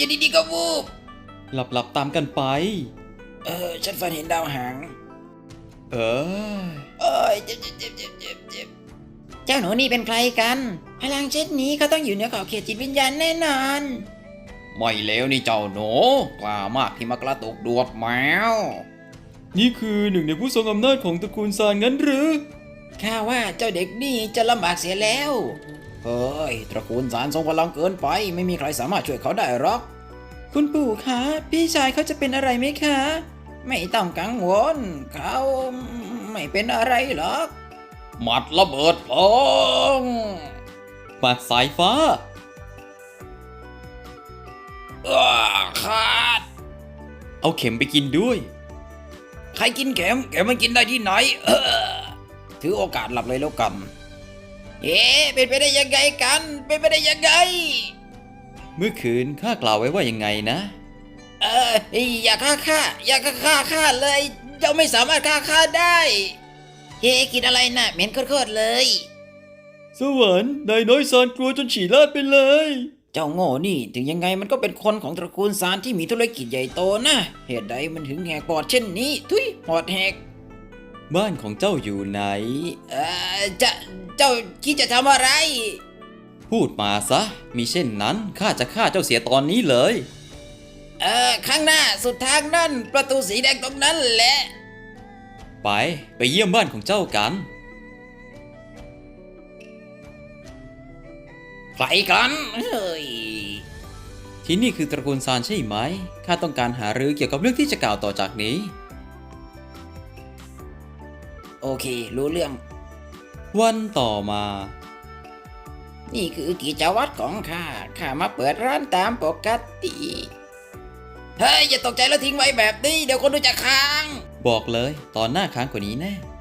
อยู่ดีๆก็วูบหลับตามกันไปฉันฝันเห็นดาวหางเออเอ้ยเจ็บเจ้าหนูนี่เป็นใครกันพลังเช่นนี้เขาต้องอยู่เหนือขอบเขตจิตวิญญาณแน่นอนไม่แล้วนี่เจ้าหนูกล้ามากที่มากระตุกดวงแมวนี่คือหนึ่งในผู้ทรงอำนาจของตระกูลซานงั้นหรือข้าว่าเจ้าเด็กนี่จะลำบากเสียแล้วเฮ้ยตระกูลซานทรงพลังเกินไปไม่มีใครสามารถช่วยเขาได้หรอกคุณปู่คะพี่ชายเขาจะเป็นอะไรไหมคะไม่ต้องกังวลเขาไม่เป็นอะไรหรอกหมัดระเบิดเพลิงหมัดสายฟ้าขาดเอาเข็มไปกินด้วยใครกินเข็มมันกินได้ที่ไหนถือโอกาสหลับเลยแล้วกันเป็นไปได้ยังไงกันเป็นไปได้ยังไงเมื่อคืนข้ากล่าวไว้ว่ายังไงนะอย่าฆ่าข้าเลยเจ้าไม่สามารถฆ่าข้าได้กินอะไรน่ะเหม็นโคตรเลยสวรรค์นายน้อยซานกลัวจนฉี่ลาดไปเลยเจ้าโง่นี่ถึงยังไงมันก็เป็นคนของตระกูลซานที่มีธุรกิจใหญ่โตนะเหตุใดมันถึงแหกปอดเช่นนี้ทุยปอดแหกบ้านของเจ้าอยู่ไหนเจ้าคิดจะทำอะไรพูดมาซะมิเช่นนั้นข้าจะฆ่าเจ้าเสียตอนนี้เลยข้างหน้าสุดทางนั่นประตูสีแดงตรงนั้นแหละไปเยี่ยมบ้านของเจ้ากันใครกันเฮ้ยที่นี่คือตระกูลซานใช่ไหมข้าต้องการหารือเกี่ยวกับเรื่องที่จะกล่าวต่อจากนี้โอเครู้เรื่องวันต่อมานี่คือกิจวัตรของข้ามาเปิดร้านตามปกติเฮ้ยอย่าตกใจแล้วทิ้งไว้แบบนี้เดี๋ยวคนดูจะค้างบอกเลยตอนหน้าค้างกว่านี้แน่